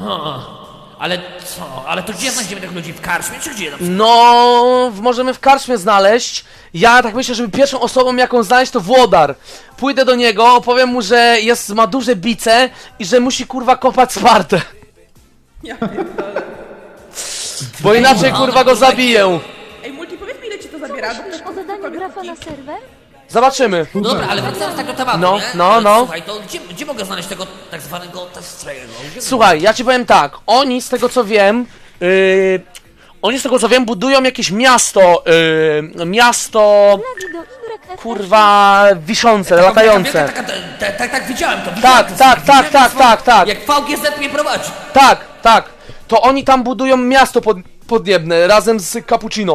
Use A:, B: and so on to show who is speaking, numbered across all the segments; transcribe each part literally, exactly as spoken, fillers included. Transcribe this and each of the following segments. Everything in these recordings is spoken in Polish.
A: Ha, ale co? Ale to gdzie znajdziemy tych ludzi? W karczmie czy gdzie?
B: No, w- możemy w karczmie znaleźć. Ja tak myślę, żeby pierwszą osobą, jaką znaleźć, to Włodar. Pójdę do niego, opowiem mu, że jest, ma duże bice i że musi kurwa kopać Spartę.
C: Ja pierdolę.
B: Bo inaczej kurwa go zabiję.
C: Ej, Multi, powiedz mi, ile ci to zabiera? Bo
D: Myślisz o dodaniu grafa na serwer?
B: Zobaczymy.
A: No dobra, ale wracając tak do tematu,
B: No,
A: nie?
B: no,
A: Ale
B: no.
A: Słuchaj, to gdzie, gdzie mogę znaleźć tego tak zwanego testrego?
B: Słuchaj, ja ci powiem tak. Oni, z tego co wiem, yy, oni z tego co wiem, budują jakieś miasto, yy, miasto,
D: Lagi do Y.
B: kurwa, wiszące, latające.
A: Tak, tak, tak, tak, tak, widziałem to.
B: Tak,
A: widziałem to,
B: tak,
A: widziałem
B: tak, tak,
A: to,
B: tak, tak.
A: Jak V G Z mnie prowadzi.
B: Tak, tak. To oni tam budują miasto pod, podniebne razem z Cappuccino.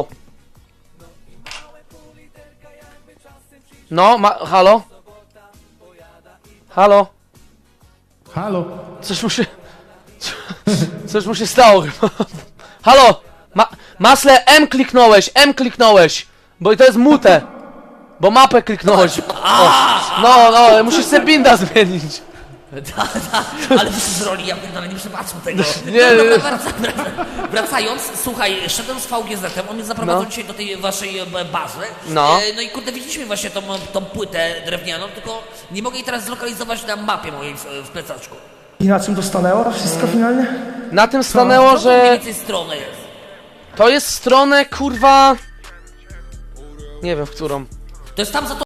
B: No, ma, halo? Halo?
E: Halo?
B: Coś mu się... Coś mu się stało chyba. Halo? Ma, Masle, M kliknąłeś, M kliknąłeś. Bo to jest mute. Bo mapę kliknąłeś. O, no, no, musisz sobie binda zmienić.
A: Da, da, ale ty z roli, ja pierdolę, nie przebaczam tego.
B: Nie,
A: Dobra,
B: nie.
A: wraca, wracając, słuchaj, szedłem z V G Z-em, on mnie zaprowadził
B: No.
A: dzisiaj do tej waszej e, bazy.
B: No.
A: E, no i kurde, widzieliśmy właśnie tą, tą płytę drewnianą, tylko nie mogę jej teraz zlokalizować na mapie mojej w, w plecaczku.
F: I na czym to stanęło to wszystko finalnie?
B: Na tym stanęło,
A: Co to mniej
B: że...
A: więcej strony jest?
B: To jest stronę, kurwa... Nie wiem, w którą.
A: To jest tam za to